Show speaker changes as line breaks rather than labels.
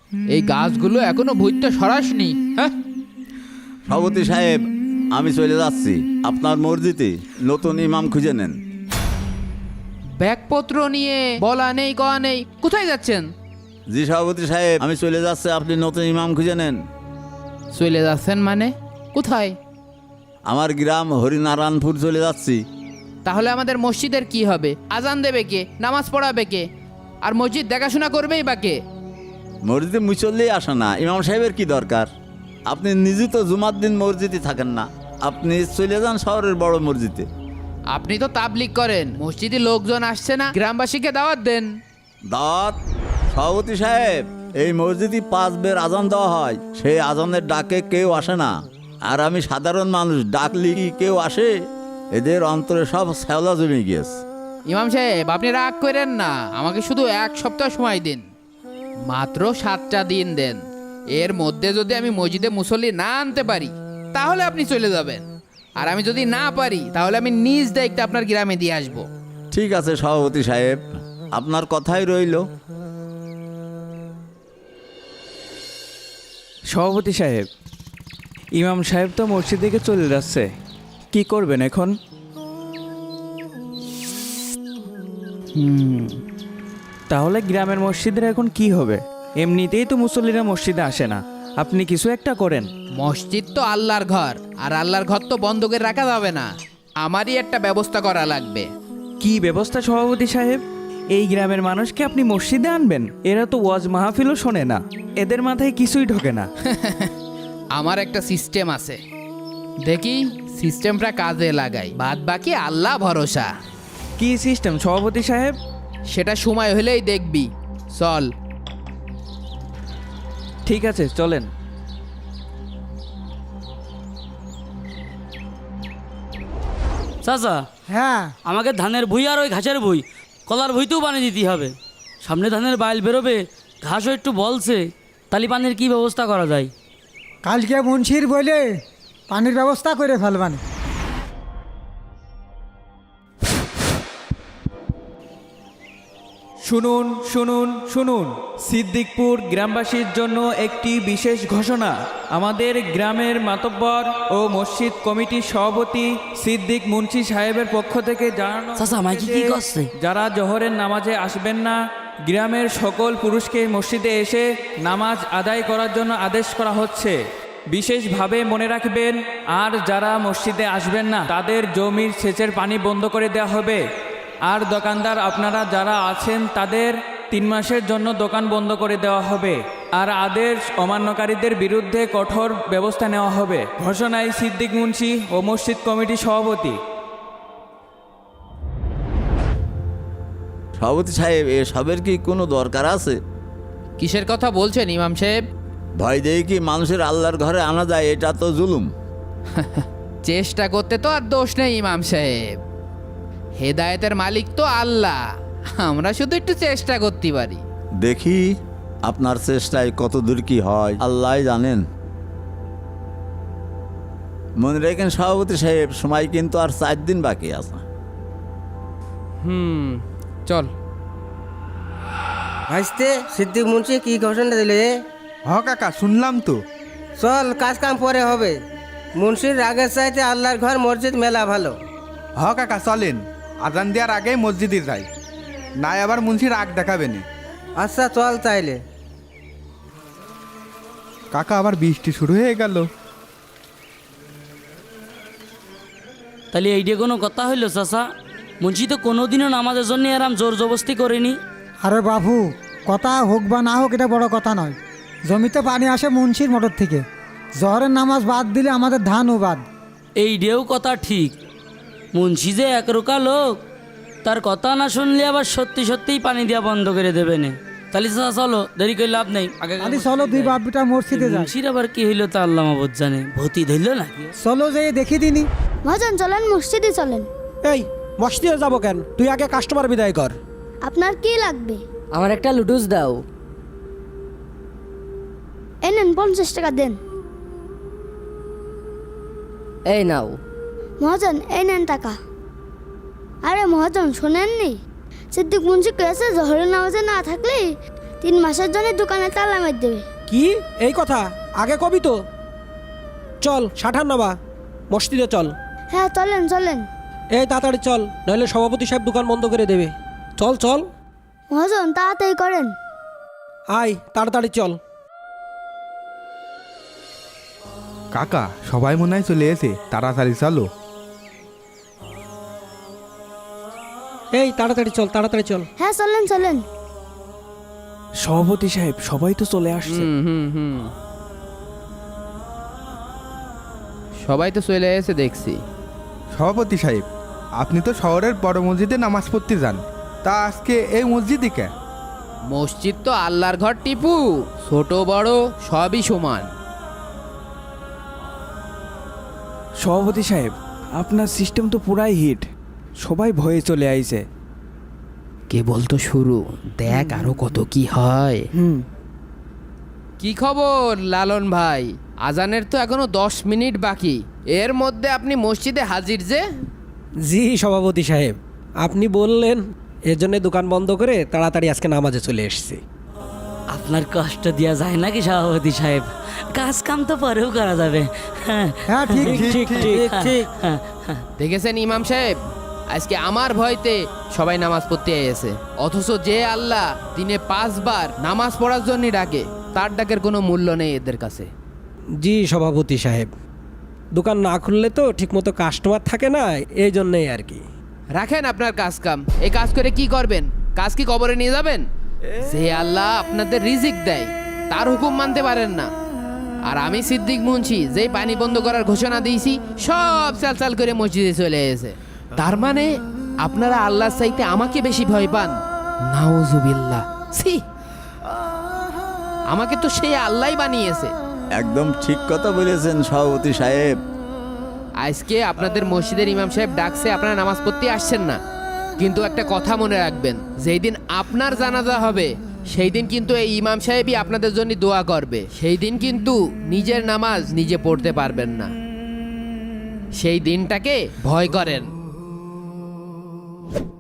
এই গাছগুলো এখনো ভূতটা সরাসনি। হ্যাঁ,
সভাপতি সাহেব, আমি চলে যাচ্ছি। আপনার মসজিদে নতুন ইমাম খুঁজে নেন।
ব্যাগপত্র নিয়ে বলা নেই কওয়া নেই, কোথায় যাচ্ছেন?
জি সভাপতি সাহেব, আমি চলে যাচ্ছি, আপনি নতুন ইমাম খুঁজে নেন।
চলে যাচ্ছেন মানে কোথায়?
আমার গ্রাম হরিনারায়ণপুর চলে যাচ্ছি।
তাহলে আমাদের মসজিদের কি হবে? আজান দেবে কে? নামাজ পড়াবে কে? আর মসজিদ দেখাশোনা করবেই বা কে?
মসজিদে মুসল্লি আসে না, ইমাম সাহেবের কি দরকার? আপনি নিজে তো জুমার দিন মসজিদে থাকেন না, আপনি চলে যান শহরের বড় মসজিদে।
আপনি তো তাবলিগ করেন, মসজিদে লোকজন আসছে না, গ্রামবাসীকে দাওয়াত দেন।
দাওয়াত? সভাপতি সাহেব, এই মসজিদে 5 বের আজান দেওয়া হয়, সেই আজানের ডাকে কেউ আসে না। আর আমি সাধারণ মানুষ, ডাকলি কি কেউ আসে? এদের অন্তরে সব শ্যাওলা জমে গিয়েছে।
ইমাম সাহেব, আপনি রাগ করেন না, আমাকে শুধু 1 সপ্তাহ সময় দিন, মাত্র 7টা দিন দেন। এর মধ্যে যদি আমি মসজিদে মুসল্লি না আনতে পারি তাহলে আপনি চলে যাবেন, আর আমি যদি না পারি তাহলে আমি নিজ দায়িত্বে আপনার গ্রামে দিয়ে আসবো।
ঠিক আছে সভাপতি সাহেব, আপনার কথাই রইল।
সভাপতি সাহেব, ইমাম সাহেব তো মসজিদ থেকে চলে যাচ্ছে, কি করবেন এখন? তাহলে গ্রামের মসজিদের এখন কি হবে? এমনিতেই তো মুসল্লিরা মসজিদে আসে না, আপনি কিছু একটা করেন।
মসজিদ তো আল্লাহর ঘর, আর আল্লাহর ঘর তো বন্ধ করে রাখা যাবে না, আমারই একটা ব্যবস্থা করা লাগবে।
কি ব্যবস্থা সভাপতি সাহেব? এই গ্রামের মানুষকে আপনি মসজিদে আনবেন? এরা তো ওয়াজ মাহফিলও শোনে না, এদের মাথায় কিছুই ঢোকে না।
আমার একটা সিস্টেম আছে, দেখি সিস্টেমটা কাজে লাগাই, বাদ বাকি আল্লাহ ভরসা।
কি সিস্টেম সভাপতি সাহেব?
সেটা সময় হলেই দেখবি, চল।
ঠিক আছে, চলেন।
চাচা,
হ্যাঁ,
আমাকে ধানের ভুই আর ওই ঘাসের ভুই, কলার ভুইতেও পানি দিতে হবে। সামনে ধানের বাইল বেরোবে, ঘাসও একটু বলছে, তালি পানির কি ব্যবস্থা করা যায়?
কালকে মুন্সির বলে পানির ব্যবস্থা করে ফেলবানি।
শুনুন শুনুন শুনুন, সিদ্দিকপুর গ্রামবাসীর জন্য একটি বিশেষ ঘোষণা। আমাদের গ্রামের মাতব্বর ও মসজিদ কমিটির সভাপতি সিদ্দিক মুন্সি সাহেবের পক্ষ থেকে জানানো
চাচা, মাইকি কি
হয়েছে যে
করছে?
যারা জোহরের নামাজে আসবেন না, গ্রামের সকল পুরুষকে মসজিদে এসে নামাজ আদায় করার জন্য আদেশ করা হচ্ছে। বিশেষভাবে মনে রাখবেন, আর যারা মসজিদে আসবেন না তাদের জমির সেচের পানি বন্ধ করে দেওয়া হবে। আর দোকানদার আপনারা যারা আছেন তাদের 3 মাসের জন্য দোকান বন্ধ করে দেওয়া হবে, আর আদেশ অমান্যকারীদের বিরুদ্ধে কঠোর ব্যবস্থা নেওয়া হবে। ঘোষণায় সিদ্দিক মুন্সি ও মসজিদ কমিটির সভাপতি।
সভাপতি সাহেব, এসবের কি কোনো দরকার আছে?
কিসের কথা বলছেন ইমাম সাহেব?
ভয় দিয়ে কি মানুষের আল্লাহর ঘরে আনা যায়? এটা তো জুলুম।
চেষ্টা করতে তো আর দোষ নেই ইমাম সাহেব, হেদায়েতের মালিক তো আল্লাহ, আমরা শুধু একটু চেষ্টা করতে পারি।
দেখি আপনার চেষ্টায় কত দূর কি হয়, আল্লাহ জানেন। মনে রেখেন সভাপতি সাহেব, সময় কিন্তু আর 4 দিন বাকি আছে।
চল।
ভাইস্তে, সিদ্দিক মুন্সি কি ঘোষণা দিলে?
হ কাকা, শুনলাম তো।
চল, কাজ কাম পরে হবে। মুন্সির রাগের চাইতে আল্লাহর ঘর মসজিদ মেলা ভালো।
হ কাকা, চলেন, আজান দেওয়ার আগেই মসজিদে যাই, নাই আবার মুন্সি রাগ দেখাবে না।
আচ্ছা চল তাইলে।
কাকা, আবার বৃষ্টি শুরু হয়ে গেল।
তাহলে এইটা কোনো কথা হইলো চাচা? মুন্সি তো কোনোদিনও নামাজের জন্য এরাম জোর জবস্তি করেনি।
আরে বাবু, কথা হোক বা না হোক এটা বড় কথা নয়। জমিতে পানি আসে মুন্সির মোটর থেকে, জহরের নামাজ বাদ দিলে আমাদের ধানও বাদ।
এইটাও কথা ঠিক, মুন্সি যে একরোকা লোক, তার কথা না শুনলে আবার সত্যি সত্যিই পানি দেওয়া বন্ধ করে দেবে না। তাহলে চাচা চলো, দেরি করে লাভ নেই, আগে
আরে চলো, 2 বাপ বেটা মসজিদে যাই।
মুন্সির আবার কি হইলো তা আল্লাহ মাবুদ জানে, ভূতি ধরল নাকি?
চলো, যেয়ে দেখি দিনি।
মহাজন চলেন, মসজিদে চলেন।
এই মসজিদে যাবো কেন? তুই আগে কাস্টমার বিদায় কর।
আপনার কি লাগবে?
আমার একটা লুডুস দাও।
এই নেন, 50 টাকা দেন।
এই নাও।
মহাজন এই নেন টাকা। আরে মহাজন, শোনেননি? সিদ্দিক মুন্সি কেছে জহরের নামাজে না থাকলে 3 মাসের জন্য দোকানে তালা মেরে দেবে।
কি এই কথা আগে কবি তো। চল সাঠান নামা মসজিদে চল।
হ্যাঁ চলেন চলেন।
এই তাড়াতাড়ি চল, নইলে সভাপতি সাহেব দোকান বন্ধ করে দেবে। চল চল
মহাজন তাড়াতাড়ি করেন।
আয় তাড়াতাড়ি চল।
কাকা সবাই মনে হয় চলে এসে, তাড়াতাড়ি চলো।
এই তাড়াতাড়ি চল তাড়াতাড়ি চল।
হ্যাঁ চলেন চলেন।
সভাপতি সাহেব সবাই তো চলে আসছে।
সবাই তো চলে এসে দেখছি।
সভাপতি সাহেব, আপনি তো শহরের বড় মসজিদে নামাজ পড়তে যান, তা আজকে এই মসজিদে কে?
মসজিদ তো আল্লাহর ঘর টিপু, ছোট বড় সবই সমান।
সভাপতি সাহেব, আপনার সিস্টেম তো পুরাই হিট, সবাই ভয়ে চলে আইছে।
কেবল তো শুরু, দেখ আরো কত কি হয়। কি খবর লালন ভাই? আজানের তো এখনো 10 মিনিট বাকি, এর মধ্যে আপনি মসজিদে হাজির যে?
জি সভাপতি সাহেব, আপনি বললেন এর জন্য দোকান বন্ধ করে তাড়াতাড়ি আজকে নামাজে চলে এসেছি।
আপনার কষ্ট দেওয়া যায় নাকি সভাপতি সাহেব? কাজ কাম তো পরেও করা যাবে। হ্যাঁ
হ্যাঁ ঠিক
ঠিক ঠিক ঠিক।
দেখেছেন ইমাম সাহেব, আজকে আমার ভয়তে সবাই নামাজ পড়তে এসেছে, অথচ যে আল্লাহ দিনে 5 বার নামাজ পড়ার জন্য ডাকে, তার ডাকের কোনো মূল্য নেই এদের কাছে।
জি সভাপতি সাহেব, দোকান না খুললে তো ঠিকমতো কাস্টমার থাকে না, এই জন্যই আর কি।
রাখেন আপনার কাজ কাম, এই কাজ করে কি করবেন? কাজ কি কবরে নিয়ে যাবেন? যে আল্লাহ আপনাদের রিজিক দেয়, তার হুকুম মানতে পারেন না। আর আমি সিদ্দিক মুন্সি যেই পানি বন্ধ করার ঘোষণা দিয়েছি, সব চাল করে মসজিদে চলে এসেছে। তার মানে আপনারা আল্লাহর চাইতে আমাকে বেশি ভয় পান? নাউজুবিল্লাহ, ছি! আমাকে তো সেই আল্লাহই বানিয়েছে।
একদম ঠিক কথা বলেছেন সভাপতি সাহেব।
আজকে আপনাদের মসজিদের ইমাম সাহেব ডাকছে, আপনারা নামাজ পড়তে আসছেন না, কিন্তু একটা কথা মনে রাখবেন, যেই দিন আপনার জানাজা হবে সেই দিন কিন্তু এই ইমাম সাহেবই আপনাদের জন্য দোয়া করবে। সেই দিন কিন্তু নিজের নামাজ নিজে পড়তে পারবেন না। সেই দিনটাকে ভয় করেন।